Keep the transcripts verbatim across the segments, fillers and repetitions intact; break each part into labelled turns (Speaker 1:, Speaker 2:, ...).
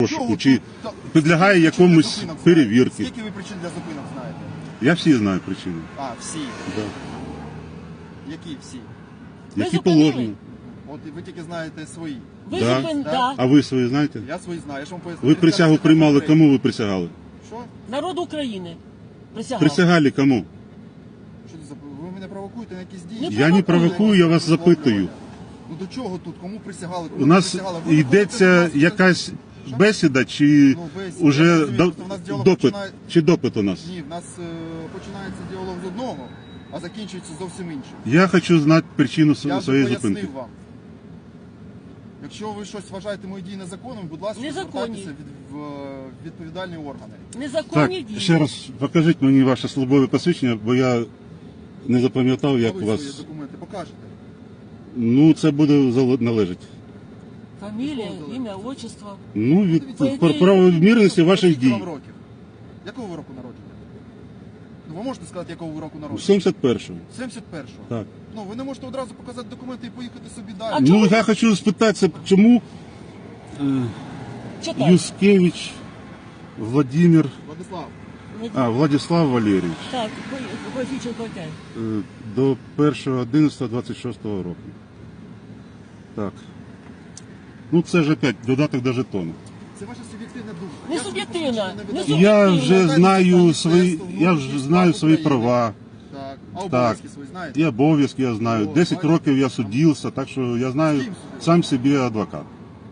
Speaker 1: розшуку, чи підлягає якомусь перевірці.
Speaker 2: Скільки ви причин для зупинок знаєте?
Speaker 1: Я всі знаю причини.
Speaker 2: А, всі.
Speaker 1: Да.
Speaker 2: Які всі?
Speaker 3: Ви
Speaker 1: Які
Speaker 3: зупинили?
Speaker 1: положені.
Speaker 2: От і ви тільки знаєте свої.
Speaker 3: Ви
Speaker 1: Да.
Speaker 3: зупин...
Speaker 2: Да.
Speaker 3: да.
Speaker 1: А ви свої знаєте?
Speaker 2: Я свої знаю, я ж вам поясню.
Speaker 1: Ви присягу приймали, кому ви присягали?
Speaker 2: Що?
Speaker 3: Народ України присягав.
Speaker 1: Присягали кому?
Speaker 2: Що це за... Ви мене провокуєте на якісь дії?
Speaker 3: Не
Speaker 1: Я не провокую, я вас запитую.
Speaker 2: Ну до чого тут? Кому присягали? Кому
Speaker 1: У нас
Speaker 2: присягали? Ви
Speaker 1: йдеться
Speaker 2: виходите до нас,
Speaker 1: якась
Speaker 2: Що?
Speaker 1: бесіда, чи
Speaker 2: Ну, бесіда.
Speaker 1: уже
Speaker 2: Я розумію,
Speaker 1: до-
Speaker 2: просто в нас діалог
Speaker 1: допит,
Speaker 2: починає-
Speaker 1: чи допит у нас?
Speaker 2: Ні, в нас е, починається діалог з одного, а закінчується зовсім іншим.
Speaker 1: Я хочу знати причину
Speaker 2: Я
Speaker 1: св-
Speaker 2: вже
Speaker 1: своєї
Speaker 2: пояснив
Speaker 1: зупинки.
Speaker 2: вам. Якщо ви щось вважаєте мої дії незаконними, будь ласка,
Speaker 3: Незаконні.
Speaker 2: звертайтеся від, в е, відповідальні органи.
Speaker 1: Так,
Speaker 3: Незаконні дії.
Speaker 1: ще раз покажіть мені ваше службове посвідчення, бо я не запам'ятав, як
Speaker 2: А
Speaker 1: у
Speaker 2: ви свої
Speaker 1: вас.
Speaker 2: документи покажете.
Speaker 1: Ну, це буде зал- належить.
Speaker 3: Фамілія, ім'я, отчество.
Speaker 1: Ну, від
Speaker 2: Дивіться,
Speaker 3: По
Speaker 1: про
Speaker 3: ідеї,
Speaker 1: правомірності ваших
Speaker 2: Скільки вам
Speaker 1: дій.
Speaker 2: років? Якого ви року народження? Ну, ви можете сказати, якого ви року народження?
Speaker 1: сімдесят першого.
Speaker 2: сімдесят першого.
Speaker 1: Так.
Speaker 2: Ну, ви не можете одразу показати документи і поїхати собі далі.
Speaker 3: А
Speaker 1: Ну,
Speaker 3: чому?
Speaker 1: я хочу спитатися, чому е,
Speaker 3: Читай.
Speaker 1: Юскевич Владимир,
Speaker 2: Владислав,
Speaker 1: а, Владислав Валерійович
Speaker 3: Так, Бойфіченко окей.
Speaker 1: е, до першого одинадцятого двадцять шостого року. Так. Ну, це ж опять додаток до жетону.
Speaker 2: це ваша суб'єктивна думка.
Speaker 3: Не
Speaker 2: Я собі
Speaker 3: суб'єктивна,
Speaker 2: посвідчення
Speaker 3: не
Speaker 2: видаю.
Speaker 3: суб'єктивна.
Speaker 1: Я
Speaker 3: Суб'єктивно.
Speaker 1: вже
Speaker 2: Знаєте,
Speaker 1: знаю
Speaker 2: що
Speaker 1: свої,
Speaker 2: Міністерство
Speaker 1: я
Speaker 2: внутрішніх
Speaker 1: вже знаю
Speaker 2: справ
Speaker 1: свої
Speaker 2: України.
Speaker 1: права.
Speaker 2: Так. А обов'язки свої знаєте?
Speaker 1: І обов'язки я знаю.
Speaker 2: О,
Speaker 1: Десять
Speaker 2: бачите?
Speaker 1: років я судився, так що я знаю
Speaker 2: З ким судився?
Speaker 1: сам собі адвокат.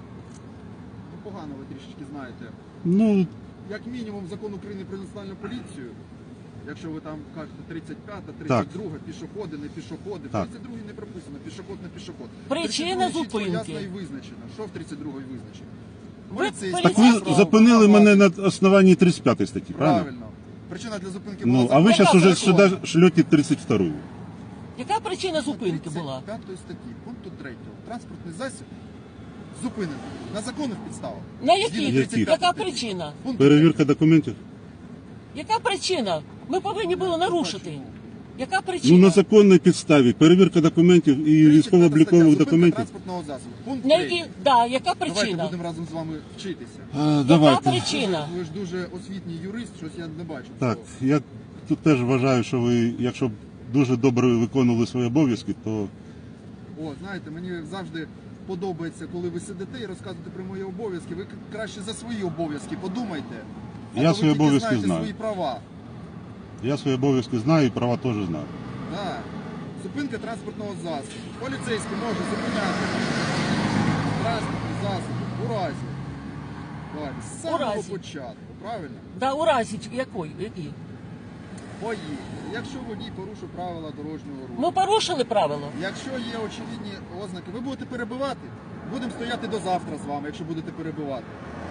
Speaker 2: Ну, погано ви трішечки знаєте.
Speaker 1: Ну,
Speaker 2: Як мінімум закон України про національну поліцію, якщо ви там кажете тридцять п'ята, тридцять друга, пішоходи, не пішоходи. В
Speaker 1: Так.
Speaker 2: тридцять другій не прописано, пішоход, не пішоход.
Speaker 3: Причина
Speaker 2: тридцять другій чітко,
Speaker 3: зупинки.
Speaker 2: ясно і визначено. Що в тридцять другій визначено?
Speaker 3: Ви
Speaker 2: Поліцейський
Speaker 1: так
Speaker 3: поліцейський.
Speaker 1: ви
Speaker 2: право,
Speaker 1: зупинили
Speaker 2: право.
Speaker 1: мене на основанні тридцять п'ятої статті, правильно?
Speaker 2: Правильно. Причина для зупинки
Speaker 1: Ну,
Speaker 2: була
Speaker 1: а ви
Speaker 2: закон.
Speaker 1: зараз уже
Speaker 3: закон.
Speaker 1: сюди шлете тридцять вторую.
Speaker 3: Яка причина зупинки була?
Speaker 2: тридцять п'ятої статті, пункту третього. Транспортний засіб зупинений на законних підставах.
Speaker 3: На
Speaker 2: Згідно
Speaker 3: яких?
Speaker 2: тридцять п'ятої
Speaker 3: Яка
Speaker 2: статті.
Speaker 3: причина?
Speaker 2: Пункт
Speaker 1: Перевірка документів?
Speaker 3: Яка причина? Ми повинні були нарушити. Яка
Speaker 1: Ну,
Speaker 3: причина?
Speaker 1: на законній підставі. Перевірка документів і військово-облікових документів.
Speaker 2: Транспортного засобу. Пункт
Speaker 3: На
Speaker 2: третій.
Speaker 3: які... да, яка
Speaker 2: Давайте
Speaker 3: причина?
Speaker 2: будемо разом з вами вчитися.
Speaker 1: А,
Speaker 3: Яка
Speaker 1: давайте.
Speaker 3: причина?
Speaker 2: Ви ж дуже освітній юрист, щось я не бачу.
Speaker 1: Так,
Speaker 2: цього.
Speaker 1: я тут теж вважаю, що ви, якщо б дуже добре виконували свої обов'язки, то
Speaker 2: О, знаєте, мені завжди подобається, коли ви сидите і розказуєте про мої обов'язки. Ви краще за свої обов'язки подумайте. А
Speaker 1: Я
Speaker 2: то ви
Speaker 1: свої
Speaker 2: тільки
Speaker 1: обов'язки
Speaker 2: знаєте
Speaker 1: знаю.
Speaker 2: свої права.
Speaker 1: я свої обов'язки знаю і права теж знаю.
Speaker 2: Так. Зупинка транспортного засобу. Поліцейський може зупиняти транспортний засіб у разі. Давайте, з самого
Speaker 3: разі.
Speaker 2: початку, правильно?
Speaker 3: Да, у разі якої? Які?
Speaker 2: Поїхали. Якщо водій порушив правила дорожнього руху.
Speaker 3: Ми порушили правила.
Speaker 2: Якщо є очевидні ознаки, ви будете перебивати. Будемо стояти до завтра з вами, якщо будете перебивати.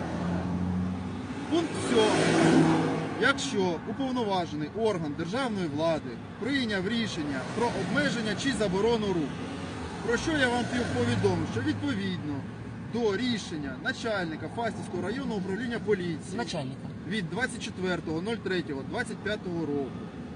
Speaker 2: Пункт сьомий. Якщо уповноважений орган державної влади прийняв рішення про обмеження чи заборону руху, про що я вам повідомив, що відповідно до рішення начальника Фастівського районного управління поліції
Speaker 3: Начальника.
Speaker 2: від двадцять четвертого третього двадцять п'ятого року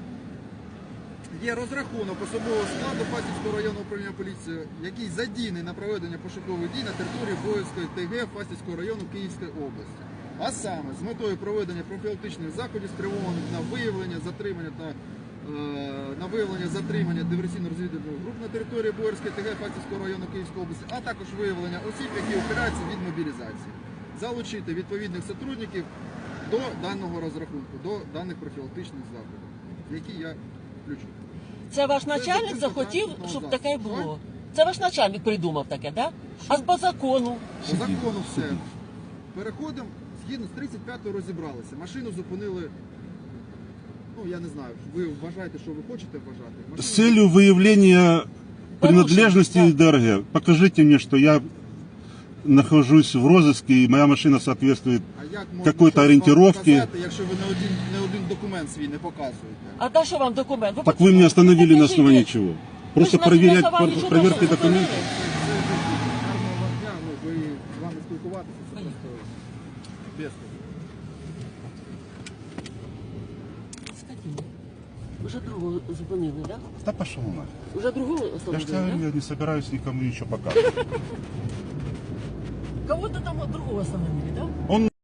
Speaker 2: є розрахунок особового складу Фастівського районного управління поліції, який задійний на проведення пошукових дій на території Боївської ТГ Фастівського району Київської області. А саме з метою проведення профілактичних заходів, спрямованих на виявлення, затримання та е, на виявлення затримання диверсійно-розвідувальних груп на території Боярської ТГ Фастівського району Київської області, а також виявлення осіб, які ухиляються від мобілізації. Залучити відповідних сотрудників до даного розрахунку, до даних профілактичних заходів, які я включу.
Speaker 3: Це ваш начальник
Speaker 2: зупинка
Speaker 3: захотів,
Speaker 2: транспортного
Speaker 3: щоб
Speaker 2: засобу.
Speaker 3: таке було. Це ваш начальник придумав таке, да? А по закону?
Speaker 2: По закону все. Переходимо, згідно з тридцять п'ятою розібралися. Машину зупинили, ну я не знаю, ви вважаєте, що ви хочете вважати. Машину
Speaker 1: С целью выявления принадлежности
Speaker 3: Порушен,
Speaker 1: ДРГ, покажите мне, что я нахожусь в розыске и моя машина соответствует.
Speaker 2: А як можна
Speaker 1: какой-то
Speaker 2: щось вам
Speaker 1: ориентировки.
Speaker 2: показати, якщо ви не один, не один документ свій не показуєте?
Speaker 3: А та що вам документ?
Speaker 1: Так вы меня остановили на
Speaker 3: покажите.
Speaker 1: основании чего? Просто
Speaker 3: на- на
Speaker 1: проверять
Speaker 3: основании
Speaker 1: пр-
Speaker 3: чего
Speaker 1: проверки
Speaker 3: что
Speaker 1: документов?
Speaker 2: Це, це гарного вам дня, ну ви з вами спілкуватися, це просто без.
Speaker 3: Скотина. Уже другого зупинили, да?
Speaker 1: Да пошел нахуй.
Speaker 3: Уже другого
Speaker 1: Я же
Speaker 3: остановили,
Speaker 1: тебе говорю,
Speaker 3: да?
Speaker 1: я не собираюсь никому ничего показывать.
Speaker 3: Кого-то там другого остановили, да?
Speaker 1: Он